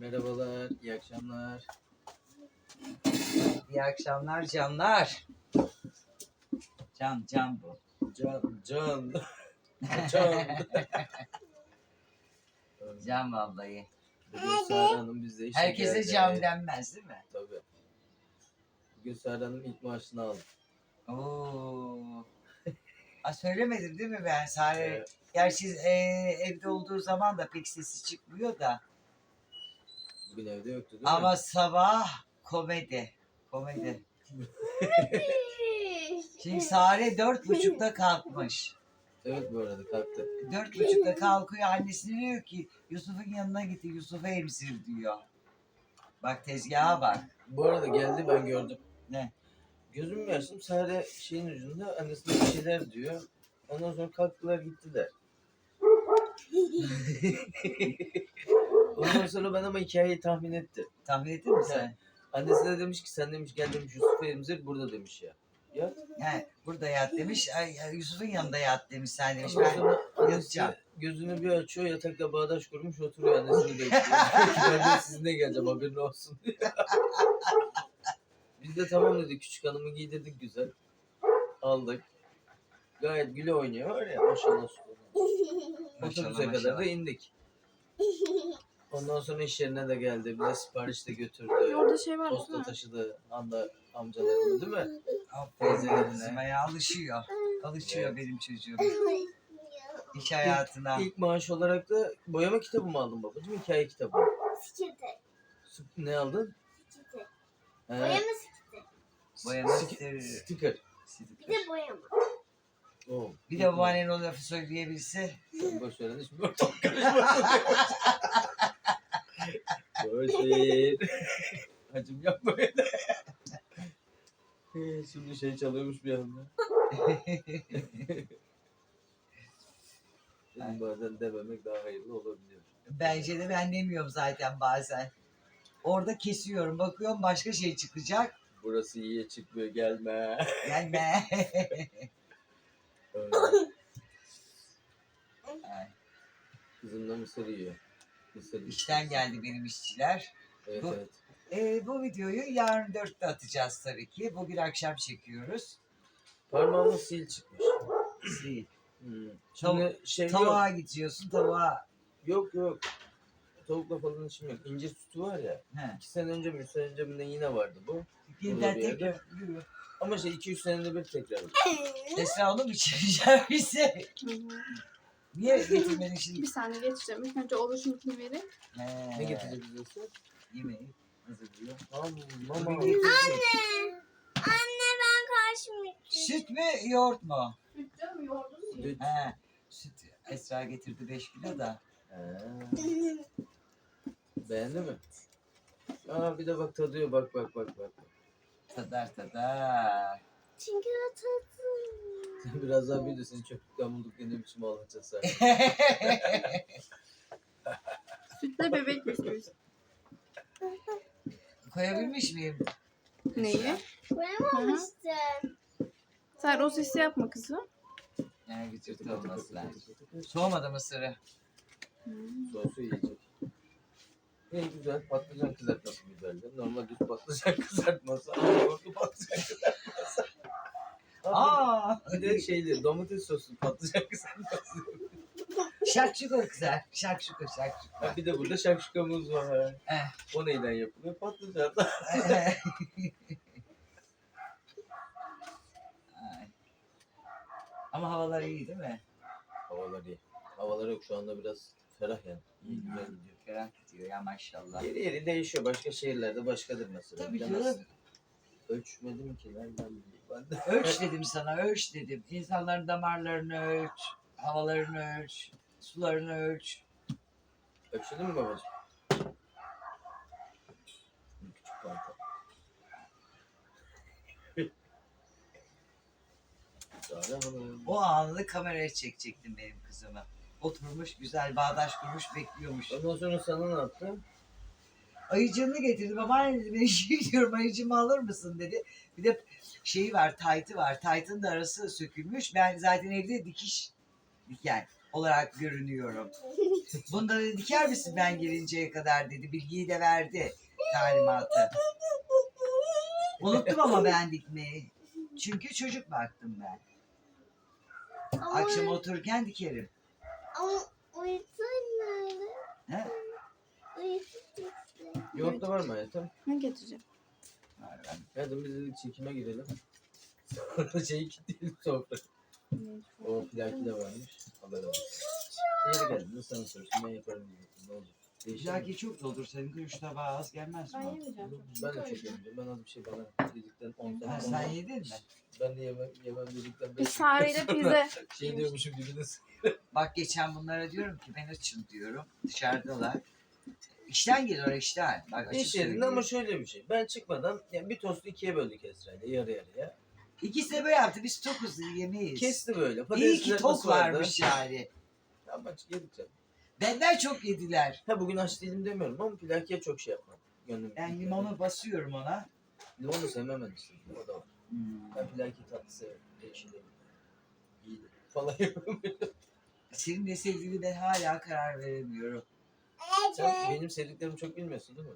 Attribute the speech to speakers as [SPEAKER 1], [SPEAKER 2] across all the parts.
[SPEAKER 1] Merhabalar, iyi akşamlar.
[SPEAKER 2] İyi akşamlar canlar. Can bu.
[SPEAKER 1] Can.
[SPEAKER 2] Can vallahi.
[SPEAKER 1] Bugün Sara Hanım bizde işe
[SPEAKER 2] Herkese
[SPEAKER 1] geldi.
[SPEAKER 2] can denmez değil mi?
[SPEAKER 1] Tabii. Bugün Sara Hanım ilk maaşını aldı.
[SPEAKER 2] Oo. Söylemedim değil mi ben Sare?
[SPEAKER 1] Evet.
[SPEAKER 2] Gerçi evde olduğu zaman da pek sesi çıkmıyor da.
[SPEAKER 1] Bugün evde yoktu değil
[SPEAKER 2] Ama
[SPEAKER 1] mi?
[SPEAKER 2] sabah komedi. Şimdi Sare 4.30'da kalkmış.
[SPEAKER 1] Evet, bu arada kalktı.
[SPEAKER 2] 4.30'da kalkıyor. Annesi diyor ki Yusuf'un yanına gitti. Yusuf'u emzir diyor. Bak tezgaha bak.
[SPEAKER 1] Bu arada geldi, ben gördüm.
[SPEAKER 2] Ne?
[SPEAKER 1] Gözümü açtım, Sare şeyin ucunda annesine bir şeyler diyor. Ondan sonra kalktılar gittiler. Ondan sonra ben ama hikayeyi tahmin ettim.
[SPEAKER 2] Tahmin ettin mi sen?
[SPEAKER 1] Annesi de demiş ki sen demiş gel demiş Yusuf'u emzir burada demiş ya. Ya.
[SPEAKER 2] Yani burada yat demiş. Yusuf'un yanında yat demiş sen demiş.
[SPEAKER 1] Ondan
[SPEAKER 2] Ben
[SPEAKER 1] sonra
[SPEAKER 2] yatacağım.
[SPEAKER 1] annesi gözünü bir açıyor, yatakta bağdaş kurmuş oturuyor, annesini bekliyor. Ben de sizinle geleceğim, haberin olsun diyor. Biz de tamam dedik, küçük hanımı giydirdik güzel. Aldık. Gayet güle oynuyor var ya, maşallah. Otobüse kadar da indik. Ondan sonra iş yerine de geldi. Bize sipariş de götürdü.
[SPEAKER 3] Orada şey var
[SPEAKER 1] Posta
[SPEAKER 3] değil mi?
[SPEAKER 1] taşıdı. Anda amcalarını değil mi?
[SPEAKER 2] Aferin kızıma, alışıyor. Alışıyor
[SPEAKER 1] Evet.
[SPEAKER 2] benim çocuğum. İş hayatına.
[SPEAKER 1] İlk maaş olarak da boyama kitabı mı aldın babacığım? Hikaye kitabı.
[SPEAKER 4] Skite.
[SPEAKER 1] Ne aldın?
[SPEAKER 4] Skite.
[SPEAKER 1] He,
[SPEAKER 4] Boyama skite.
[SPEAKER 2] Boyama
[SPEAKER 1] sticker.
[SPEAKER 4] Bir de boyama.
[SPEAKER 1] Oo.
[SPEAKER 2] Bir de babaannenin o lafı söyleyebilse.
[SPEAKER 1] Sen boş ver hadi, şimdi ortalık karışmasın. Boş ver. Hacım yapma öyle. Şimdi şey çalıyormuş bir anda. Benim bazen dememek daha hayırlı olabiliyor.
[SPEAKER 2] Bence de ben demiyorum zaten bazen. Orada kesiyorum. Bakıyorum başka şey çıkacak.
[SPEAKER 1] Burası iyiye çıkmıyor, gelme.
[SPEAKER 2] Gelme.
[SPEAKER 1] Öyle.
[SPEAKER 2] Ay,
[SPEAKER 1] Kızım da mısır yiyor. Mısır yiyor.
[SPEAKER 2] İşten geldi benim işçiler.
[SPEAKER 1] Evet
[SPEAKER 2] Bu-
[SPEAKER 1] evet.
[SPEAKER 2] Bu videoyu yarın 4'te atacağız tabii ki. Bugün akşam çekiyoruz.
[SPEAKER 1] Parmağıma sil çıkmış.
[SPEAKER 2] Değil.
[SPEAKER 1] Şimdi şey
[SPEAKER 2] Tavuğa
[SPEAKER 1] yok.
[SPEAKER 2] gidiyorsun. Tavuğa.
[SPEAKER 1] Yok. Tavukla falan işim yok. İncir sütü var ya.
[SPEAKER 2] He.
[SPEAKER 1] 2 sene önce mi 3 sene önce mi ne yine vardı bu.
[SPEAKER 2] Birden
[SPEAKER 1] bir yerde.
[SPEAKER 2] tekrar.
[SPEAKER 1] Ama şey 2-3 senede bir tekrar.
[SPEAKER 2] Esra onu mu çevireceğim bize?
[SPEAKER 3] Hı hı.
[SPEAKER 2] Niye getirmedin şimdi?
[SPEAKER 3] Bir saniye geçeceğim. İlk önce oluşunkini vereyim.
[SPEAKER 1] Ne getirecek bize?
[SPEAKER 2] Yemeği hazırlıyor.
[SPEAKER 1] Mama.
[SPEAKER 2] Bugün getirecek.
[SPEAKER 4] Anne ben karşımayacağım.
[SPEAKER 2] Süt mü yoğurt mu?
[SPEAKER 3] Süt canım yoğurdum.
[SPEAKER 1] Süt.
[SPEAKER 2] He. Süt. Esra getirdi 5 kilo da.
[SPEAKER 1] Beğendi mi? Aa bir de bak tadıyor, bak.
[SPEAKER 2] Tadar.
[SPEAKER 4] Çünkü o tatlı.
[SPEAKER 1] Sen biraz daha büyüdü, seni çöplükten bulduk diye ne biçim ağlatacağız sen.
[SPEAKER 3] Sütle bebek bisküvisi.
[SPEAKER 2] Koyabilmiş miyim?
[SPEAKER 3] Neyi?
[SPEAKER 4] Koyamamıştım.
[SPEAKER 3] Sen o sesi yapma kızım.
[SPEAKER 2] Yani güçlü olması lazım. Soğumadı mısırı.
[SPEAKER 1] Sosu yiyecek. Ne güzel, patlıcan kızartması güzeldi. Normal düz patlıcan kızartması. Yoğurtlu patlıcan kızartması. Bir de şeyli, domates soslu patlıcan kızartması.
[SPEAKER 2] Şakşuka güzel. Şakşuka.
[SPEAKER 1] Ha, bir de burada şakşukamız var.
[SPEAKER 2] Eh.
[SPEAKER 1] O neyden yapılıyor? Patlıcan.
[SPEAKER 2] Ay. Ama havalar iyi değil mi?
[SPEAKER 1] Havalar iyi. Havalar yok şu anda, biraz ferah yani. İyi, güzel gidiyor.
[SPEAKER 2] Ferah gidiyor ya maşallah.
[SPEAKER 1] Yeri değişiyor. Başka şehirlerde başkadır mesela.
[SPEAKER 2] Tabii
[SPEAKER 1] Bilemezsin.
[SPEAKER 2] canım.
[SPEAKER 1] Ölçmedim ki nereden bileyim ben de.
[SPEAKER 2] Ölç dedim sana, ölç dedim. İnsanların damarlarını ölç, havalarını ölç, sularını ölç.
[SPEAKER 1] Ölçtün mü babacığım? Küçük panta. Sare Hanım.
[SPEAKER 2] O anını kameraya çekecektim benim kızımı. Oturmuş güzel bağdaş kurmuş bekliyormuş.
[SPEAKER 1] Ondan sonra sana ne yaptı?
[SPEAKER 2] Ayıcığını getirdi. Babaanne dedi ben işe gidiyorum ayıcımı alır mısın dedi. Bir de şeyi var taytı var. Taytın da arası sökülmüş. Ben zaten evde diken. olarak görünüyorum. Bunları diker misin ben gelinceye kadar dedi. Bilgiyi de verdi talimatı. Unuttum ama ben dikmeyi. Çünkü çocuk baktım ben.
[SPEAKER 4] Ama,
[SPEAKER 2] Akşam otururken dikerim.
[SPEAKER 4] ama uyutun nerede?
[SPEAKER 2] He?
[SPEAKER 4] Uyutun işte.
[SPEAKER 1] Yoğurt da var mı hayatım?
[SPEAKER 3] Ben getireceğim.
[SPEAKER 1] Hayatım biz dedik çekime girelim. Sonra şeyi kilitleyelim sofra. O plaki de varmış. Haber olsun. Yeri geldi. Sana sorsun ben yaparım diyecektim. Ne olacak? Değişir mi?
[SPEAKER 2] Plaki çok doldur. Senin de 3 tabağı az gelmez
[SPEAKER 3] Ben
[SPEAKER 2] mi?
[SPEAKER 3] yemeyeceğim.
[SPEAKER 1] Ben de çok yemeyeceğim. Ben az bir şey bana dedikten 10
[SPEAKER 2] Ha,
[SPEAKER 1] tane.
[SPEAKER 2] sen yedin mi?
[SPEAKER 1] Ben de yemem dedikten
[SPEAKER 3] Biz
[SPEAKER 1] 5
[SPEAKER 3] Sare'yle pizza.
[SPEAKER 1] şey diyormuşum gibiniz.
[SPEAKER 2] Bak geçen bunlara diyorum ki ben açım diyorum. Dışarıdalar. İşten geliyor işten. Bak açık
[SPEAKER 1] İş yerinde
[SPEAKER 2] söylüyorum.
[SPEAKER 1] ama şöyle bir şey. Ben çıkmadan yani bir tostu ikiye böldük Esra'yla yarı yarıya.
[SPEAKER 2] İkisi de böyle yaptı. Biz tokuz yemeyiz.
[SPEAKER 1] Kesti böyle.
[SPEAKER 2] İyi
[SPEAKER 1] Patates
[SPEAKER 2] ki tok
[SPEAKER 1] kızartması vardı.
[SPEAKER 2] varmış yani.
[SPEAKER 1] Ama yedik canım.
[SPEAKER 2] Benden çok yediler.
[SPEAKER 1] Ha bugün aç değilim demiyorum ama plakiye çok şey yapmam. Gönlüm.
[SPEAKER 2] Ben limonu basıyorum ona.
[SPEAKER 1] Limonu sevmem ben işte. O da var.
[SPEAKER 2] Hmm.
[SPEAKER 1] Ben plaki tatlı severim. Değişilir. İyidir. Falan yapıyorum.
[SPEAKER 2] Senin ne sevdiğini ben hala karar veremiyorum.
[SPEAKER 1] Sen benim sevdiklerimi çok bilmiyorsun değil mi?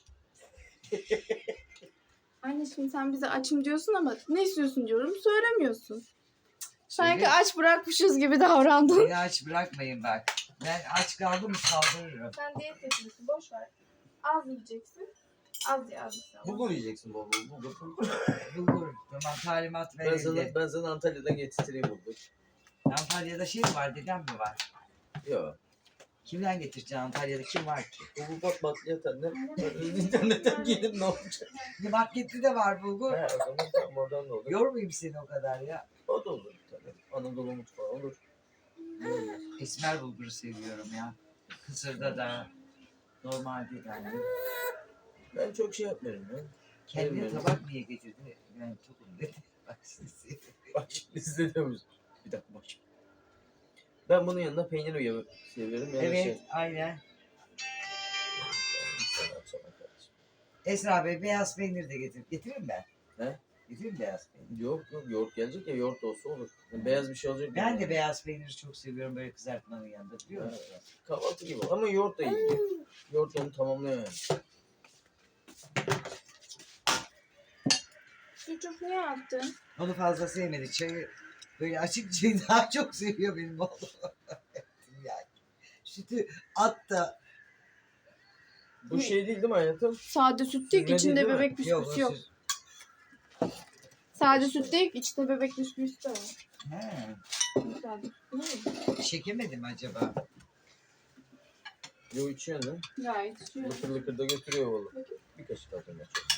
[SPEAKER 3] Anne şimdi sen bize açım diyorsun ama ne istiyorsun diyorum söylemiyorsun. Sanki
[SPEAKER 2] Söyle.
[SPEAKER 3] aç bırakmışız gibi davrandın.
[SPEAKER 2] Beni aç bırakmayın bak. Ben aç kaldım mı saldırırım.
[SPEAKER 3] Sen diyet yapıyorsun boş ver. Az yiyeceksin. Az ye az ye.
[SPEAKER 1] Bulgur yiyeceksin bol bol. Bulgur.
[SPEAKER 2] Bulgur. Tamam talimat verildi.
[SPEAKER 1] Ben sana Antalya'dan getireyim bulgur.
[SPEAKER 2] Antalya'da şey mi var? Dedem mi var?
[SPEAKER 1] Yok.
[SPEAKER 2] Kimden getireceksin Antalya'da? Kim var ki?
[SPEAKER 1] Bulgur bak bakliyat annem. İnternetten gelip ne olacak?
[SPEAKER 2] Bir markette de var bulgur.
[SPEAKER 1] He o zaman tamam oradan da olur.
[SPEAKER 2] Yormayayım seni o kadar ya.
[SPEAKER 1] O da olur tabii. Anadolu mutfağı olur.
[SPEAKER 2] Esmer bulguru seviyorum ya. Kısırda da. Normalde de yani.
[SPEAKER 1] Ben çok şey yapmıyorum ya.
[SPEAKER 2] Kendine
[SPEAKER 1] Bilmiyorum.
[SPEAKER 2] tabak niye getirdi? Ben tokum dedi. Bak sizi.
[SPEAKER 1] Bak liste diyormuş. Bir dakika bak. Ben bunun yanında peynir seviyorum. Yani
[SPEAKER 2] Evet
[SPEAKER 1] şey.
[SPEAKER 2] aynen.
[SPEAKER 1] Sana açalım kardeşim.
[SPEAKER 2] Esra Bey beyaz peynir de getir. Getireyim ben.
[SPEAKER 1] He?
[SPEAKER 2] Getireyim beyaz peynir.
[SPEAKER 1] Yok yoğurt gelecek ya yoğurt olsa olur. Yani beyaz bir şey olacak.
[SPEAKER 2] Ben
[SPEAKER 1] yani.
[SPEAKER 2] de beyaz peyniri çok seviyorum böyle kızartmanın yanında biliyor musun?
[SPEAKER 1] Kahvaltı gibi ama yoğurt da iyi. Yoğurt onu tamamlıyor yani.
[SPEAKER 3] Çocuk ne yaptın?
[SPEAKER 2] Onu fazla sevmedi. Çayı böyle açık çayı daha çok seviyor benim oğlum. Yani. Sütü at da
[SPEAKER 1] Bu şey değil değil mi hayatım?
[SPEAKER 3] Sade süt değil ki
[SPEAKER 1] Süzme
[SPEAKER 3] içinde
[SPEAKER 1] değil, değil mi?
[SPEAKER 3] bebek bisküvisi yok.
[SPEAKER 2] süt.
[SPEAKER 3] Sade süt değil ki içinde bebek bisküvisi de var.
[SPEAKER 2] He.
[SPEAKER 3] Sade süt değil mi?
[SPEAKER 2] Çekemedim acaba.
[SPEAKER 1] Yo içiyorsun lan.
[SPEAKER 3] Gayet içiyor.
[SPEAKER 1] Lıkır lıkır da götürüyor valla. Bir kaşık atayım ben çok.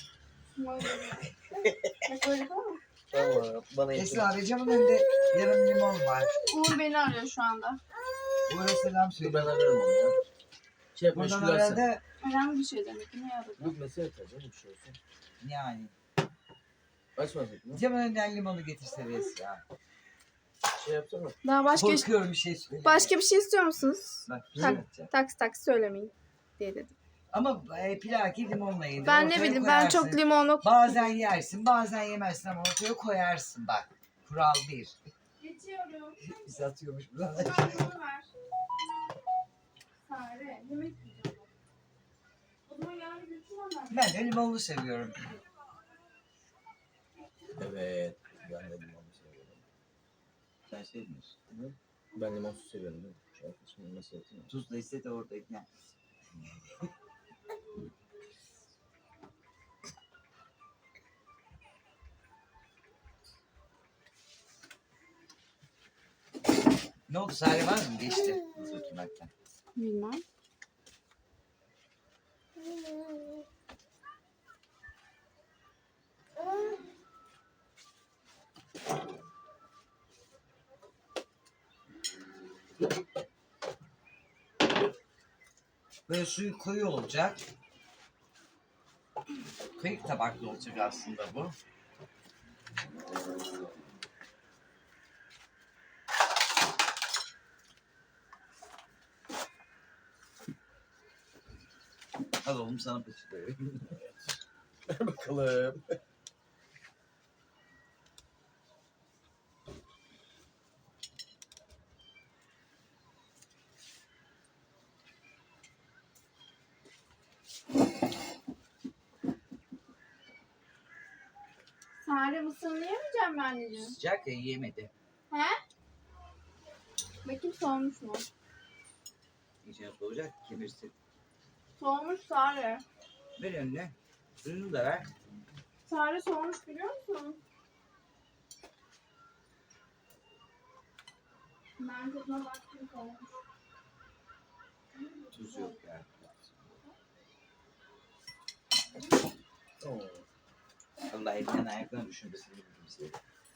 [SPEAKER 3] Bak öyle tamam mı?
[SPEAKER 1] Tamam bana yeter.
[SPEAKER 2] Esra abi camın önünde yarım limon var.
[SPEAKER 3] Uğur beni arıyor şu anda.
[SPEAKER 2] Uğur'a selam
[SPEAKER 1] Dur
[SPEAKER 2] söyle.
[SPEAKER 1] ben ararım onu ya. Şey yap
[SPEAKER 2] Buradan
[SPEAKER 1] meşgul etsen.
[SPEAKER 2] arada
[SPEAKER 3] Önemli bir şey demek ki. Ne aradı?
[SPEAKER 1] Yok mesaj atacağım bir şey olsun.
[SPEAKER 2] yani.
[SPEAKER 1] Açmadık mı?
[SPEAKER 2] Camın önünden limonu getirsene Esra.
[SPEAKER 1] Şey yapsana.
[SPEAKER 3] Daha
[SPEAKER 2] Korkuyorum bir şey söyle.
[SPEAKER 3] başka bir şey istiyor musunuz?
[SPEAKER 2] Bak, bir
[SPEAKER 3] Tak.
[SPEAKER 2] şey yapacağım.
[SPEAKER 3] Taks söylemeyin diye dedim.
[SPEAKER 2] Ama plaki limonla yedir.
[SPEAKER 3] Ben ne
[SPEAKER 2] ortaya
[SPEAKER 3] bileyim ben
[SPEAKER 2] koyarsın.
[SPEAKER 3] çok limonlu.
[SPEAKER 2] Bazen yersin bazen yemezsin ama ortaya koyarsın bak. Kural bir.
[SPEAKER 3] Geçiyorum.
[SPEAKER 2] Biz atıyormuş buradan.
[SPEAKER 3] Sarımı ver. Sare. Yemek yiyeceğim. O zaman yarın götüremem.
[SPEAKER 2] Ben de limonlu seviyorum.
[SPEAKER 1] Evet. Ben de limonlu seviyorum.
[SPEAKER 2] Sen sevmiyorsun.
[SPEAKER 1] Hı? Ben limonsuz seviyorum değil mi? Şu arkadaşımın nasıl yapayım?
[SPEAKER 2] Tuzla ise de oradayken. Ne oldu? Sare var mı? Geçti. Nasıl oturmaktan?
[SPEAKER 3] Bilmem.
[SPEAKER 2] Böyle suyu koyu olacak. Kıyık tabaklı olacak aslında bu. Al oğlum sana peçete vereyim.
[SPEAKER 1] Ver bakalım.
[SPEAKER 3] Sare mısırını yemeyeceğim mi anneciğim?
[SPEAKER 2] Sıcak ya yiyemedi.
[SPEAKER 3] He? Bakayım soğumuş mu?
[SPEAKER 2] İçine soğuyacak kemirsin.
[SPEAKER 3] Soğumuş Sare.
[SPEAKER 2] Ver önüne. Suyunu da ver.
[SPEAKER 3] Sare soğumuş biliyor musun? Ben tadına baktım soğumuş.
[SPEAKER 2] Tuz yok ya.
[SPEAKER 1] Oo.
[SPEAKER 2] Allah elinden ayaklarına düşünmesini bildim size.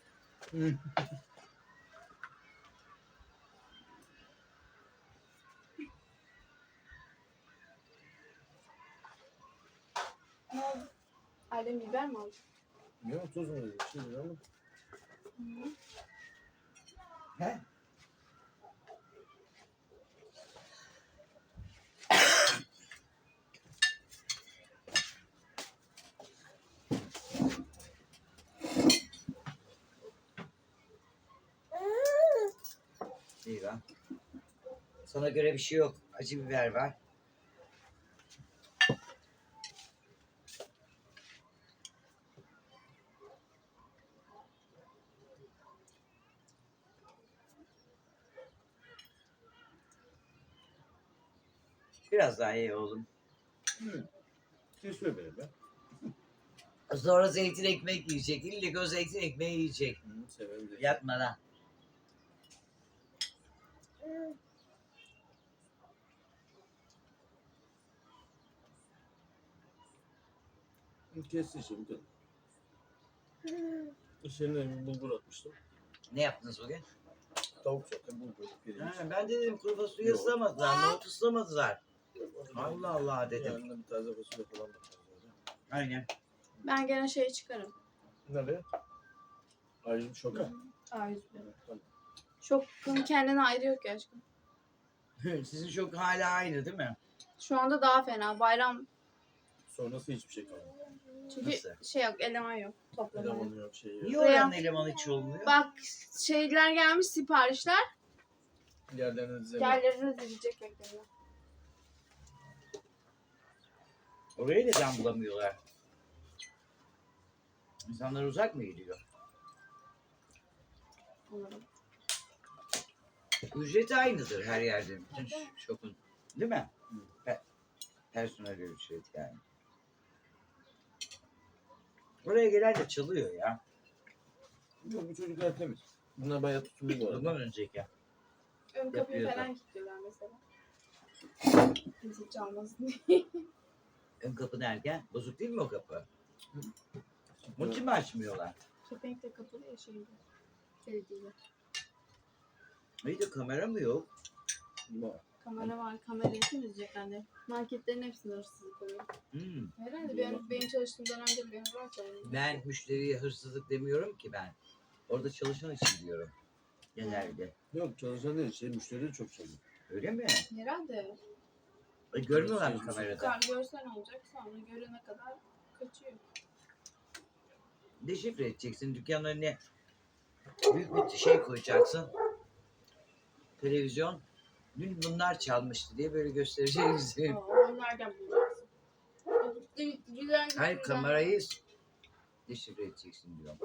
[SPEAKER 3] Ne oldu? Ailem biber mi aldı?
[SPEAKER 1] Bilmiyorum tuz mu dedi? Şey dedi ama.
[SPEAKER 2] He? İyi lan. Sana göre bir şey yok. Acı biber var. Biraz daha iyi oğlum.
[SPEAKER 1] Kesiyor beni be.
[SPEAKER 2] Sonra zeytin ekmek yiyecek. İllik o zeytin ekmeği yiyecek.
[SPEAKER 1] Severim de.
[SPEAKER 2] Yatmadan.
[SPEAKER 1] Kesti işte bu kadar. İçerine bir bulgur atmıştım.
[SPEAKER 2] Ne yaptınız bugün?
[SPEAKER 1] Tavuk zaten bulgur. Pirinç.
[SPEAKER 2] Ha, ben de dedim kuru fasulye
[SPEAKER 1] Yok.
[SPEAKER 2] ıslamadılar. Nohut ıslamadılar. Allah Allah dedim.
[SPEAKER 1] Yanına bir taze fasulye falan da koyacağız.
[SPEAKER 2] Aynen.
[SPEAKER 3] Ben gene şey çıkarım.
[SPEAKER 1] Nereye? Ayrıca şoka.
[SPEAKER 3] A101.
[SPEAKER 1] Tamam.
[SPEAKER 3] Şokun kendine ayrı yok ya aşkım.
[SPEAKER 2] Sizin çok hala aynı değil mi?
[SPEAKER 3] Şu anda daha fena. Bayram
[SPEAKER 1] Sonrası hiçbir şey kalmadı.
[SPEAKER 3] çünkü
[SPEAKER 2] Nasıl?
[SPEAKER 3] şey yok, eleman yok. Toplama yok.
[SPEAKER 1] Elemanı yok, şey yok.
[SPEAKER 2] Niye oranın elemanı hiç olmuyor?
[SPEAKER 3] Bak şeyler gelmiş siparişler.
[SPEAKER 1] Yerlerine dizemiyor.
[SPEAKER 3] Yerlerine dizilecek bekleniyor.
[SPEAKER 2] Oraya neden bulamıyorlar? İnsanlar uzak mı gidiyor?
[SPEAKER 3] Umarım.
[SPEAKER 2] Ücreti aynıdır her yerde. Bütün şokun. Değil mi? Personel ücret yani. Oraya gelen de çalıyor ya.
[SPEAKER 1] Yok bu çocuklar temiz. Bunlar bayağı tutumlu bu arada.
[SPEAKER 2] Bundan önceki.
[SPEAKER 3] Ön kapıyı
[SPEAKER 2] Yapıyor
[SPEAKER 3] falan kilitliyorlar mesela. Kimse çalmasın diye.
[SPEAKER 2] Ön kapı derken bozuk değil mi o kapı? Onun için mi açmıyorlar?
[SPEAKER 3] Kepenk de kapalı ya şeyde. Belediyeyle.
[SPEAKER 2] İyi de kamera mı yok?
[SPEAKER 1] Var.
[SPEAKER 3] Kamera var. Kamerayı temizleyecek anne. Marketlerin hepsinde hırsızlık oluyor. Herhalde benim çalıştığım dönemde bir var sanırım.
[SPEAKER 2] Ben müşteriye hırsızlık demiyorum ki ben. Orada çalışan için diyorum. Genelde.
[SPEAKER 1] Yok çalışan değil. Şey müşteri de çok çalıyor.
[SPEAKER 2] Öyle mi?
[SPEAKER 3] Herhalde.
[SPEAKER 2] Görmüyorlar mı kamerada?
[SPEAKER 3] Görsen olacak sonra görene kadar kaçıyor.
[SPEAKER 2] Deşifre edeceksin. Dükkanın önüne büyük bir şey koyacaksın. Televizyon. Dün bunlar çalmıştı diye böyle göstereceksin.
[SPEAKER 3] Onu nereden bulacaksın?
[SPEAKER 2] Hayır kamerayı deşifre edeceksin diyorum.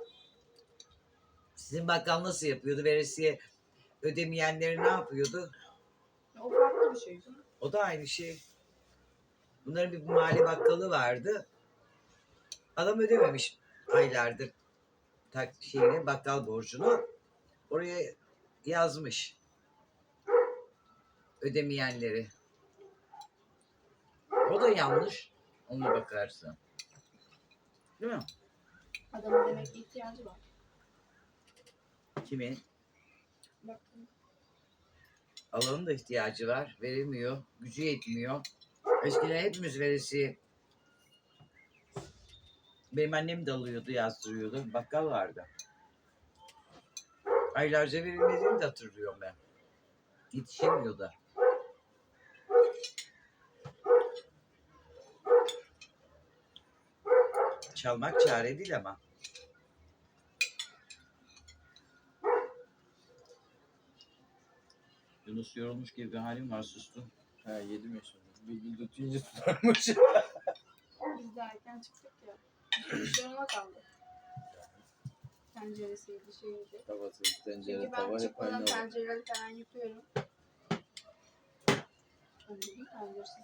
[SPEAKER 2] Sizin bakkal nasıl yapıyordu? Veresiye ödemeyenleri ne yapıyordu?
[SPEAKER 3] O farklı bir şey canım.
[SPEAKER 2] O da aynı şey. Bunların bir mahalle bakkalı vardı. Adam ödememiş aylardır şeyini, bakkal borcunu. Oraya yazmış. Ödemeyenleri. O da yanlış. Ona bakarsın. Değil mi?
[SPEAKER 3] Adamın demek ki ihtiyacı var.
[SPEAKER 2] Kimin?
[SPEAKER 3] Baktım.
[SPEAKER 2] Alanın da ihtiyacı var. Veremiyor. Gücü yetmiyor. Eskiden hepimiz veresiye. Benim annem de alıyordu, yazdırıyordu. Bakkal vardı. Aylarca verilmediğini de hatırlıyorum ben. Yetişemiyor da. Çalmak çare değil ama. Yunus yorulmuş gibi bir halim var, sustum.
[SPEAKER 1] Ha yedim ya şimdi. Bir tutunca tutarmış.
[SPEAKER 3] Biz de erken çıktık ya. İş yanıma kaldı. tenceresiydi, şeydi.
[SPEAKER 1] Tavası, tencere,
[SPEAKER 3] Çünkü
[SPEAKER 1] tava
[SPEAKER 3] ben
[SPEAKER 1] hep
[SPEAKER 3] çıkmadan
[SPEAKER 1] aynı.
[SPEAKER 3] tencereleri falan yıkıyorum. Ben dedim tenceresiz.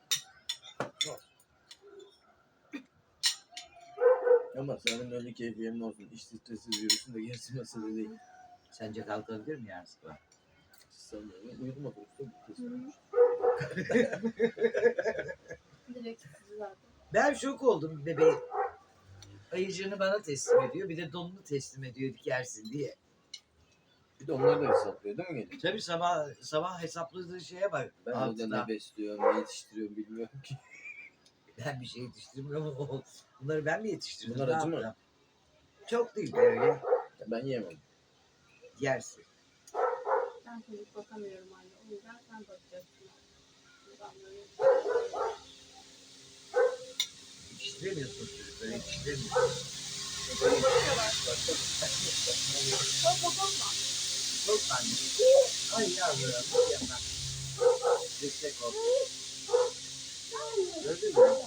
[SPEAKER 1] Ama senin öyle keyfi yerin olsun. İş stresiz yürüsün de gerisi mesele değil.
[SPEAKER 2] Sence kalkabilir mi yarın sabah?
[SPEAKER 1] Sanmıyorum. Uyudum otobüste bitti.
[SPEAKER 3] Hı hı. Direkt sizi zaten.
[SPEAKER 2] Ben şok oldum bebeğim. Ayıcığını bana teslim ediyor. Bir de donunu teslim ediyor dikersin diye.
[SPEAKER 1] Bir de onlar da hesaplıyor değil mi gece?
[SPEAKER 2] Tabii sabah hesapladığı şeye bak.
[SPEAKER 1] Ben orada
[SPEAKER 2] Altıda.
[SPEAKER 1] ne besliyorum, ne yetiştiriyorum bilmiyorum ki.
[SPEAKER 2] Ben bir şey yetiştirmiyorum. Bunları ben mi yetiştirdim?
[SPEAKER 1] Bunlar
[SPEAKER 2] Ne
[SPEAKER 1] acı mı?
[SPEAKER 2] yaptım? Çok değil böyle.
[SPEAKER 1] Ben yiyemem.
[SPEAKER 2] Yersin.
[SPEAKER 3] Ben çocuk bakamıyorum anne. O yüzden sen bakacaksın. Ben böyle
[SPEAKER 2] Yetiştiremiyorsun çocukları. Yetiştiremiyorsun.
[SPEAKER 3] çocuk bakıyorlar. Çok bakma.
[SPEAKER 2] Çok anne. Ay yavrum. Yapma. Destek ol. Gördün mü?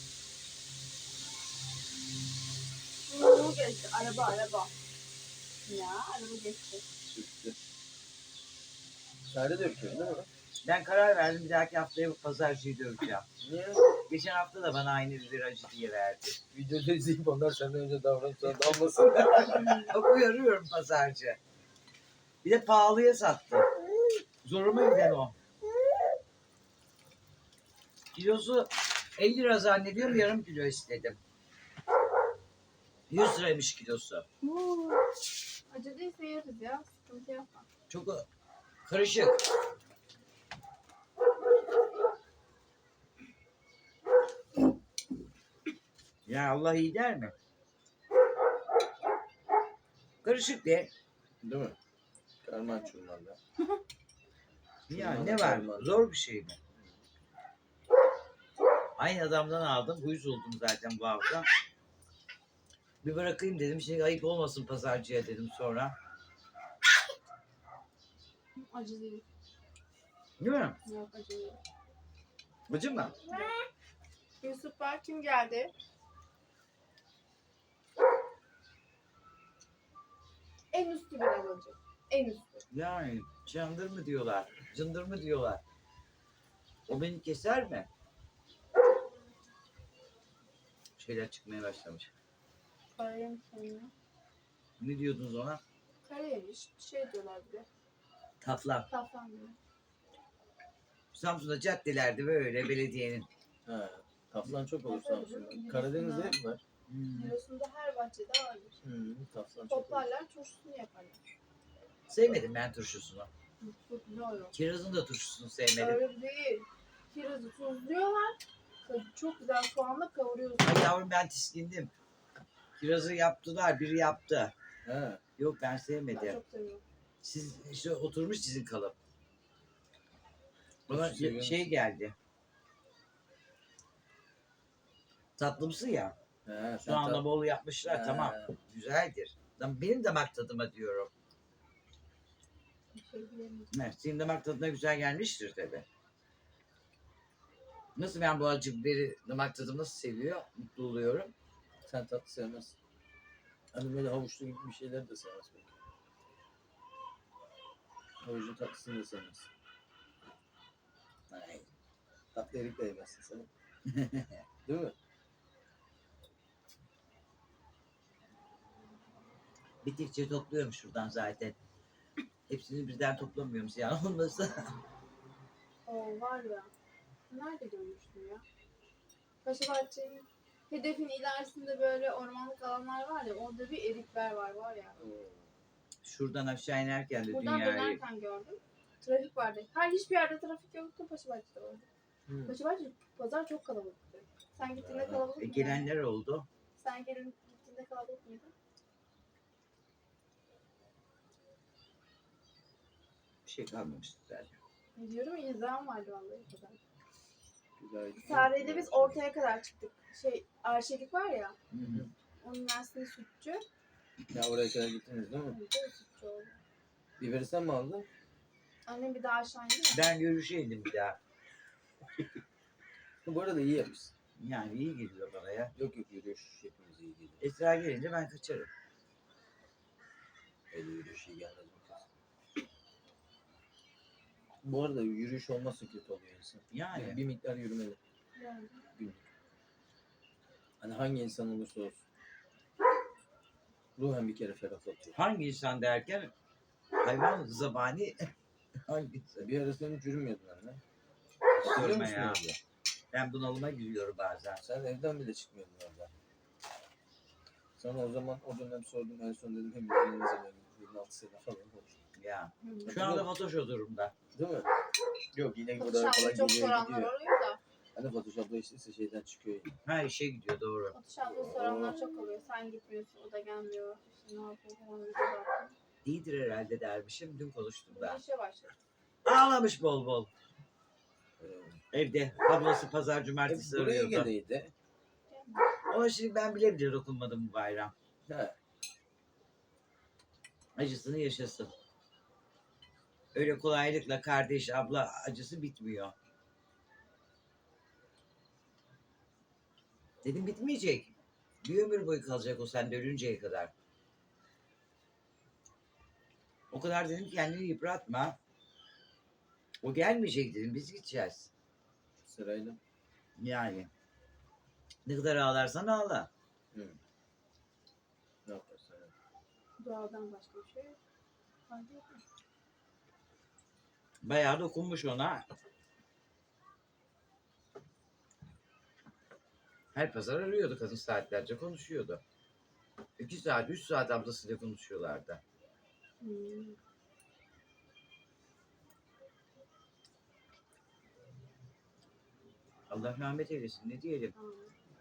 [SPEAKER 3] Geçti. Araba. Ya araba geçti.
[SPEAKER 1] Sütlü. Sade döküyorsun değil mi?
[SPEAKER 2] Ben karar verdim. Bir dahaki haftaya bu pazarcıyı döveceğim.
[SPEAKER 1] Niye?
[SPEAKER 2] Geçen hafta da bana aynı bir acı diye verdi.
[SPEAKER 1] Videoda izleyip onlar senden önce davranıp sana dalmasın.
[SPEAKER 2] Bak uyarıyorum pazarcı. Bir de pahalıya sattı. Zoruma giden o. Kilosu 50 lira zannediyorum, yarım kilo istedim. 100 liraymış kilosu.
[SPEAKER 3] Acı değilse yeriz ya. Sıkıntı yapma.
[SPEAKER 2] Çok karışık. Ya Allah iyi der mi? Karışık de.
[SPEAKER 1] Değil mi? Karman çurmanda.
[SPEAKER 2] Ya ne var? Zor bir şey mi? Aynı adamdan aldım. Uyuz oldum zaten bu hafta. Bir bırakayım dedim. Şimdi ayıp olmasın pazarcıya dedim sonra.
[SPEAKER 3] Acı değil.
[SPEAKER 2] Değil mi?
[SPEAKER 3] Yok acı değil.
[SPEAKER 2] Acı mı?
[SPEAKER 3] Yusuf var. Kim geldi? En üstü bir acı. En üstü.
[SPEAKER 2] Yani candır mı diyorlar? Cındır mı diyorlar? O beni keser mi? Şeyler çıkmaya başlamış.
[SPEAKER 3] Karayemiş sonra.
[SPEAKER 2] Ne diyordunuz ona?
[SPEAKER 3] Karayemiş. Şey diyorlar bir de.
[SPEAKER 2] Taflan.
[SPEAKER 3] Safran diyor.
[SPEAKER 2] Samsun'da caddelerde böyle belediyenin.
[SPEAKER 1] Ha. Taflan çok olur Samsun'da. Karadeniz'de hep var.
[SPEAKER 3] Giresun'da her bahçede vardır.
[SPEAKER 1] Taflan çok olur.
[SPEAKER 3] Toplarlar, turşusunu yaparlar.
[SPEAKER 2] Sevmedim ben turşusunu.
[SPEAKER 3] Çok güzel oluyor.
[SPEAKER 2] Kirazın da turşusunu sevmedim.
[SPEAKER 3] Öyle değil. Kirazı tuzluyorlar. Çok güzel soğanla kavuruyorsun.
[SPEAKER 2] Ay yavrum ben tiskindim. Kirazı yaptılar, biri yaptı.
[SPEAKER 1] Ha.
[SPEAKER 2] Yok ben
[SPEAKER 3] Ben
[SPEAKER 2] sevmedim.
[SPEAKER 3] çok seviyorum.
[SPEAKER 2] Siz işte oturmuş sizin kalıp. Bana
[SPEAKER 1] Seviyorum.
[SPEAKER 2] şey geldi. Tatlımsı ya.
[SPEAKER 1] Ha,
[SPEAKER 2] Soğanla bol yapmışlar,
[SPEAKER 1] Ha.
[SPEAKER 2] tamam. Güzeldir. Benim damak tadıma diyorum.
[SPEAKER 3] Bir şey diyemeyeceğim.
[SPEAKER 2] Evet, senin damak tadına güzel gelmiştir tabii. Nasıl ben bu acı biberi damak tadım nasıl seviyor? Mutlu oluyorum.
[SPEAKER 1] Sen tatlı sevmezsin. Hani böyle havuçlu gibi bir şeyler de sevmez belki. Havuçlu tatlısını da sevmez.
[SPEAKER 2] Ay.
[SPEAKER 1] Tatlı erik de yemezsin sen. Değil mi?
[SPEAKER 2] Bittikçe topluyorum şuradan zaten. Hepsini birden toplamıyorum ziyan olmasın.
[SPEAKER 3] O var ya. Nerede görmüştüm ya? Paşabahçe'nin hedefin ilerisinde böyle ormanlık alanlar var ya. Orada bir erikler var ya.
[SPEAKER 2] Şuradan aşağı inerken de
[SPEAKER 3] Buradan
[SPEAKER 2] dünyayı...
[SPEAKER 3] dönerken gördüm. Trafik vardı. Hiçbir yerde trafik yoktu. Paşabahçe'de vardı. Paşabahçe pazar çok kalabalıktı. Sen gittiğinde kalabalık mıydı?
[SPEAKER 2] gelenler oldu.
[SPEAKER 3] Sen gittiğinde kalabalık mıydı?
[SPEAKER 2] Bir şey kalmamıştı zaten.
[SPEAKER 3] Diyorum ya izahım vardı vallahi pazar.
[SPEAKER 1] Güzel.
[SPEAKER 3] Sare'de biz ortaya kadar çıktık. Arşelik var ya.
[SPEAKER 2] Hı hı.
[SPEAKER 3] Onun aslında sütçü.
[SPEAKER 1] Ya oraya kadar gittiniz değil mi?
[SPEAKER 3] Bir de sütçü oldu.
[SPEAKER 1] Biberi sen mi aldın?
[SPEAKER 3] Annem bir daha aşağı indi mi?
[SPEAKER 2] Ben yürüyüşe indim bir daha.
[SPEAKER 1] Bu arada iyi yapmışsın.
[SPEAKER 2] Yani iyi geliyor bana ya.
[SPEAKER 1] Yok yürüyüş hepimiz iyi geliyor.
[SPEAKER 2] Esra gelince ben kaçarım.
[SPEAKER 1] Öyle yürüyüş iyi gelmez mi kız? Bu arada yürüyüş olmazsa kötü oluyor insan.
[SPEAKER 2] Yani.
[SPEAKER 1] Bir miktar yürümeli.
[SPEAKER 3] Yani.
[SPEAKER 1] Günlük. Hani hangi insan olursa olsun. Ruhen bir kere ferahlatıyor.
[SPEAKER 2] Hangi insan derken hayvan zabani hangisi?
[SPEAKER 1] Bir ara sen hiç yürümüyordun anne.
[SPEAKER 2] Sorma
[SPEAKER 1] Hatırlıyor musun
[SPEAKER 2] ya.
[SPEAKER 1] orada?
[SPEAKER 2] Ben bunalıma giriyorum bazen.
[SPEAKER 1] Sen evden bile çıkmıyordun orada. Sana o zaman o dönem sordum en son dedim hem de ne zaman 26 sene falan olmuş.
[SPEAKER 2] Ya.
[SPEAKER 3] Hı.
[SPEAKER 2] Şu anda Fatoş o durumda.
[SPEAKER 1] Değil mi? Yok yine burada
[SPEAKER 3] Photoshop'ta
[SPEAKER 1] falan
[SPEAKER 3] çok
[SPEAKER 1] geliyor
[SPEAKER 3] soranlar
[SPEAKER 1] gidiyor.
[SPEAKER 3] oluyor da.
[SPEAKER 1] Hani Photoshop'ta işte şeyden çıkıyor.
[SPEAKER 2] Ha işe gidiyor doğru.
[SPEAKER 3] Photoshop'ta soranlar çok oluyor. Sen gitmiyorsun, o da gelmiyor. İşte ne yapıyor falan video baktım.
[SPEAKER 2] İyidir herhalde dermişim. Dün konuştum
[SPEAKER 3] Bir
[SPEAKER 2] da.
[SPEAKER 3] işe başladı.
[SPEAKER 2] Ağlamış bol bol.
[SPEAKER 1] Ee,
[SPEAKER 2] Evde. Ablası pazar cumartesi
[SPEAKER 1] buraya
[SPEAKER 2] arıyordu.
[SPEAKER 1] geleydi.
[SPEAKER 2] Ama şimdi ben bile bile dokunmadım bu bayram.
[SPEAKER 1] Ha.
[SPEAKER 2] Acısını yaşasın. Öyle kolaylıkla kardeş, abla acısı bitmiyor. Dedim bitmeyecek. Bir ömür boyu kalacak o sende ölünceye kadar. O kadar dedim ki kendini yıpratma. O gelmeyecek dedim biz gideceğiz.
[SPEAKER 1] Sırayla.
[SPEAKER 2] Yani. Ne kadar ağlarsan ağla.
[SPEAKER 1] Hı. Ne yaparsan yap.
[SPEAKER 3] Doğadan başka bir şey yok. Hadi yok.
[SPEAKER 2] Bayağı dokunmuş ona. Her pazar arıyordu kadın saatlerce konuşuyordu. 2 saat, 3 saat ablasıyla konuşuyorlardı.
[SPEAKER 3] Hmm.
[SPEAKER 2] Allah rahmet eylesin ne diyelim.
[SPEAKER 3] Tamam.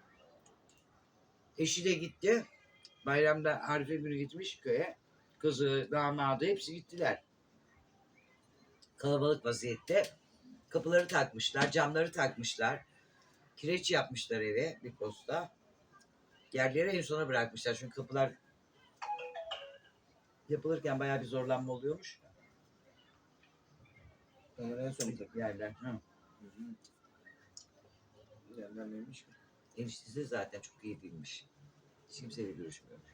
[SPEAKER 2] Eşi de gitti. Bayramda Arife günü gitmiş köye. Kızı, damadı hepsi gittiler. Kalabalık vaziyette. Kapıları takmışlar, camları takmışlar. Kireç yapmışlar eve bir posta. Yerleri en sona bırakmışlar. Çünkü kapılar yapılırken bayağı bir zorlanma oluyormuş.
[SPEAKER 1] Onları en son takıyor.
[SPEAKER 2] Yerler. Hı.
[SPEAKER 1] Hı hı. Yerden neymiş ki?
[SPEAKER 2] Eniştesi zaten çok iyi değilmiş. Hiç kimseyle görüşmüyormuş.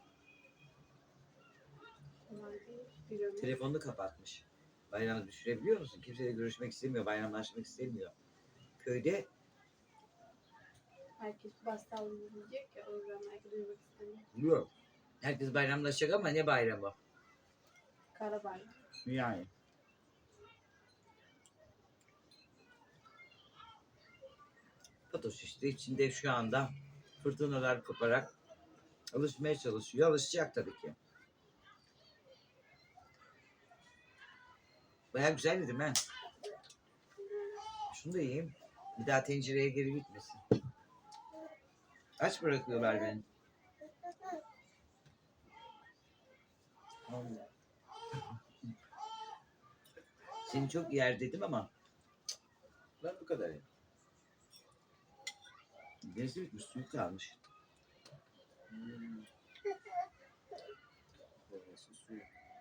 [SPEAKER 3] Kolay değil. Bir ömür.
[SPEAKER 2] Telefonunu kapatmış. Bayramı düşürebiliyor musun? Kimseyle görüşmek istemiyor, bayramlaşmak istemiyor. Köyde
[SPEAKER 3] Herkes bastal diyecek ya. O yüzden belki duymak istemiyor.
[SPEAKER 2] yok. Herkes bayramlaşacak ama ne bayramı?
[SPEAKER 3] Kara bayram.
[SPEAKER 2] Yani. Fatoş işte içinde şu anda fırtınalar koparak alışmaya çalışıyor. Alışacak tabii ki. Baya güzel dedim ha. Şunu da yiyeyim. Bir daha tencereye geri gitmesin. Aç bırakıyorlar beni.
[SPEAKER 1] Allah.
[SPEAKER 2] Seni çok yer dedim ama
[SPEAKER 1] Ben bu kadar ya.
[SPEAKER 2] gerisi bitmiş, suyu kalmış.
[SPEAKER 1] Hmm. Burası suyu.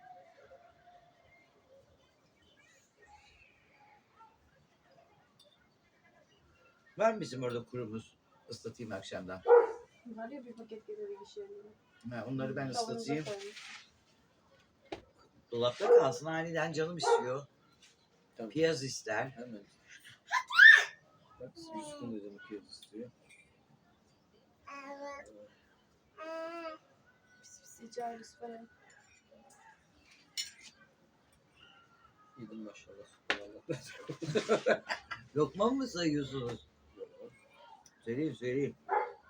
[SPEAKER 2] Var mı bizim orada kurumuz? Islatayım akşamdan.
[SPEAKER 3] Var ya bir paket gelir iş yerine.
[SPEAKER 2] Ha, onları ben
[SPEAKER 3] Kavanoza
[SPEAKER 2] ıslatayım.
[SPEAKER 3] koymuş.
[SPEAKER 2] Dolapta kalsın aniden canım istiyor.
[SPEAKER 1] Tamam.
[SPEAKER 2] Piyaz ister.
[SPEAKER 1] Hemen. Bak Yusuf'un da canı piyaz istiyor.
[SPEAKER 3] Pis pis icariz falan.
[SPEAKER 1] Yedim maşallah. Allah.
[SPEAKER 2] Lokma mı sayıyorsunuz? Söyleyeyim.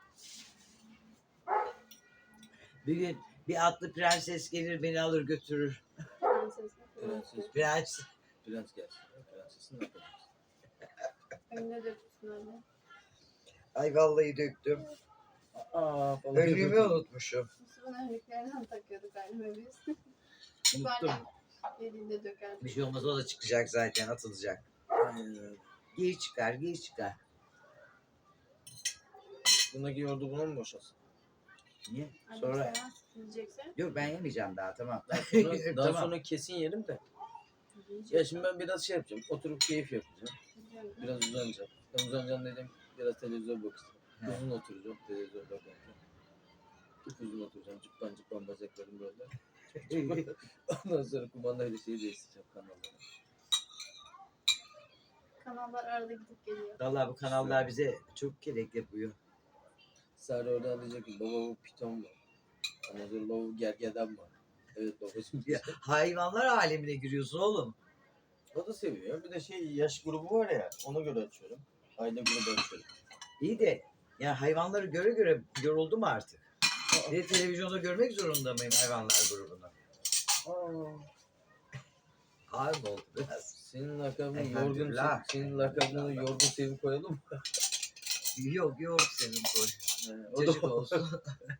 [SPEAKER 2] Bir gün bir atlı prenses gelir beni alır götürür.
[SPEAKER 3] Prenses mi?
[SPEAKER 1] Prenses.
[SPEAKER 2] Prens.
[SPEAKER 1] Prens gelsin. Prensesin ne yapacaksın?
[SPEAKER 3] Önüne dökülsün anne.
[SPEAKER 2] Ay vallahi döktüm.
[SPEAKER 1] Aa falan.
[SPEAKER 2] Önlüğümü unutmuşum.
[SPEAKER 3] Yusuf'un önlüklerinden takıyorduk anneme biz.
[SPEAKER 2] Unuttum.
[SPEAKER 3] Annem elinde dökerdi.
[SPEAKER 2] Bir şey olmaz o da çıkacak zaten atılacak.
[SPEAKER 1] Aynen öyle.
[SPEAKER 2] Giy çıkar.
[SPEAKER 1] Bundaki yoğurdu buna mı boşalsın?
[SPEAKER 2] Niye?
[SPEAKER 3] Annem
[SPEAKER 2] Sonra
[SPEAKER 3] sevmez yiyecekse.
[SPEAKER 2] yok ben yemeyeceğim daha tamam.
[SPEAKER 1] Daha
[SPEAKER 2] Tamam.
[SPEAKER 3] Şey
[SPEAKER 1] sonra kesin yerim de.
[SPEAKER 3] Yiyecek.
[SPEAKER 1] Ya şimdi ben biraz şey yapacağım. Oturup keyif yapacağım. Biraz uzanacağım. Ben uzanacağım dedim. Biraz televizyon bakacağım.
[SPEAKER 2] He.
[SPEAKER 1] Uzun oturacağım. Televizyon bakarken. Çok uzun oturacağım. Cıppan bacaklarım böyle. Ondan sonra kumandayla şeyi değiştireceğim kanalları.
[SPEAKER 3] Kanallar arada gidip geliyor.
[SPEAKER 2] Vallahi bu kanallar bize çok gerek yapıyor.
[SPEAKER 1] Sare oradan diyecek ki baba bu piton mu? Ondan sonra baba bu gergedan mı? Evet babacığım.
[SPEAKER 2] Ya, hayvanlar alemine giriyorsun oğlum.
[SPEAKER 1] O da seviyor. Bir de şey yaş grubu var ya ona göre açıyorum. Aile grubu açıyorum.
[SPEAKER 2] İyi de ya hayvanları göre göre yoruldum artık. Bir de televizyonda görmek zorunda mıyım hayvanlar grubunu? Ağır mı oldu biraz?
[SPEAKER 1] Senin lakabını
[SPEAKER 2] Elhamdülillah.
[SPEAKER 1] senin lakabını yorgun Sevim koyalım mı?
[SPEAKER 2] Yok senin boy.
[SPEAKER 1] O da
[SPEAKER 2] Cacık olsun.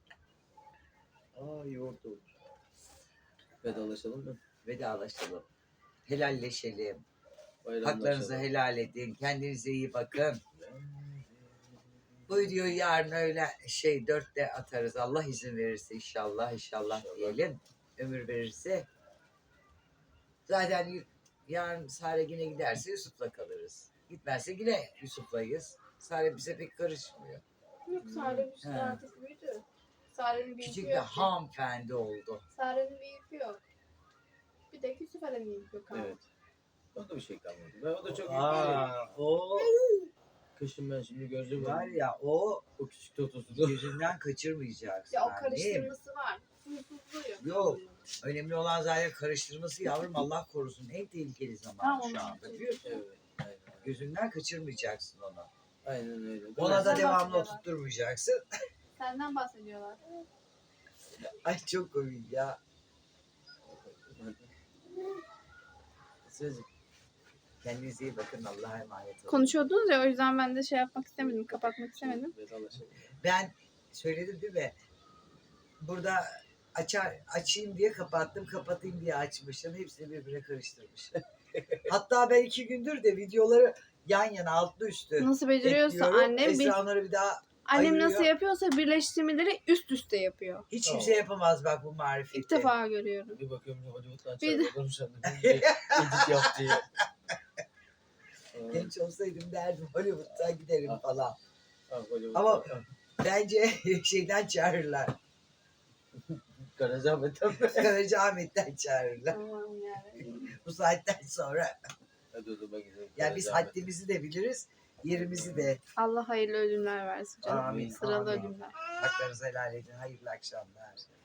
[SPEAKER 1] Yoğurt olur. Vedalaşalım mı?
[SPEAKER 2] Vedalaşalım. Helalleşelim.
[SPEAKER 1] Bayramlaşalım.
[SPEAKER 2] Haklarınızı helal edin. Kendinize iyi bakın. Bu videoyu yarın öyle 4'te atarız. Allah izin verirse inşallah diyelim. Ömür verirse. Zaten yarın Sare yine giderse Yusuf'la kalırız. Gitmezse yine Yusuf'layız. Sare bize pek karışmıyor.
[SPEAKER 3] Yok Sare bir şey
[SPEAKER 2] He.
[SPEAKER 3] artık büyüdü. Sare'nin bir
[SPEAKER 2] Küçük
[SPEAKER 3] yükü
[SPEAKER 2] bir
[SPEAKER 3] yok.
[SPEAKER 2] hanımefendi oldu.
[SPEAKER 3] Sare'nin bir yükü yok. Bir de Yusuf Ali'nin yükü yok.
[SPEAKER 1] Evet. O da bir şey kalmadı. Ben o da çok iyi.
[SPEAKER 2] O
[SPEAKER 1] Kışın ben şimdi göreceğim.
[SPEAKER 2] var ya o
[SPEAKER 1] küçük totosunu.
[SPEAKER 2] gözünden kaçırmayacaksın.
[SPEAKER 3] Ya o
[SPEAKER 2] annem.
[SPEAKER 3] karıştırması var. Huysuzluğu yok.
[SPEAKER 2] Yok. Önemli olan zaten karıştırması yavrum Allah korusun. En tehlikeli zaman
[SPEAKER 3] Tamam,
[SPEAKER 2] şu
[SPEAKER 3] onu
[SPEAKER 2] anda. Biliyor musun?
[SPEAKER 1] Evet. Aynen.
[SPEAKER 2] Gözünden kaçırmayacaksın onu.
[SPEAKER 1] Aynen öyle.
[SPEAKER 2] Ona da
[SPEAKER 3] Sen
[SPEAKER 2] devamlı
[SPEAKER 3] bahsediyorlar.
[SPEAKER 2] oturtturmayacaksın.
[SPEAKER 3] Senden bahsediyorlar.
[SPEAKER 2] Ay çok komik ya.
[SPEAKER 1] Sözcük.
[SPEAKER 2] Kendinize iyi bakın. Allah'a emanet olun.
[SPEAKER 3] Konuşuyordunuz ya o yüzden ben de şey yapmak istemedim. Kapatmak istemedim.
[SPEAKER 1] Vedalaşalım.
[SPEAKER 2] Ben söyledim değil mi? Burada açayım diye kapattım, kapatayım diye açmışım. Hepsini birbirine karıştırmışım. Hatta ben 2 gündür de videoları yan yana altlı üstü
[SPEAKER 3] Nasıl beceriyorsa
[SPEAKER 2] ekliyorum.
[SPEAKER 3] annem
[SPEAKER 2] Esra onları bir daha
[SPEAKER 3] annem
[SPEAKER 2] ayırıyor.
[SPEAKER 3] nasıl yapıyorsa birleştirmeleri üst üste yapıyor.
[SPEAKER 2] hiç kimse yapamaz bak bu marifeti.
[SPEAKER 3] İlk defa görüyorum.
[SPEAKER 1] Bir bakıyorum Hollywood'dan
[SPEAKER 3] Bir de-
[SPEAKER 1] çağırıyorum sen de. Edit yap diye.
[SPEAKER 2] Genç olsaydım derdim Hollywood'dan giderim falan.
[SPEAKER 1] Hollywood.
[SPEAKER 2] Ama bence şeyden çağırırlar.
[SPEAKER 1] Karacaahmet'ten mi?
[SPEAKER 2] Karacaahmet'ten çağırırlar.
[SPEAKER 3] Allah'ım yarabbim.
[SPEAKER 2] Bu saatten sonra.
[SPEAKER 1] Hadi o zaman gidelim.
[SPEAKER 2] Yani biz haddimizi de biliriz, yerimizi de.
[SPEAKER 3] Allah hayırlı ölümler versin canım.
[SPEAKER 2] Amin,
[SPEAKER 3] Sıralı
[SPEAKER 2] amin.
[SPEAKER 3] ölümler.
[SPEAKER 2] Haklarınızı helal edin. Hayırlı akşamlar.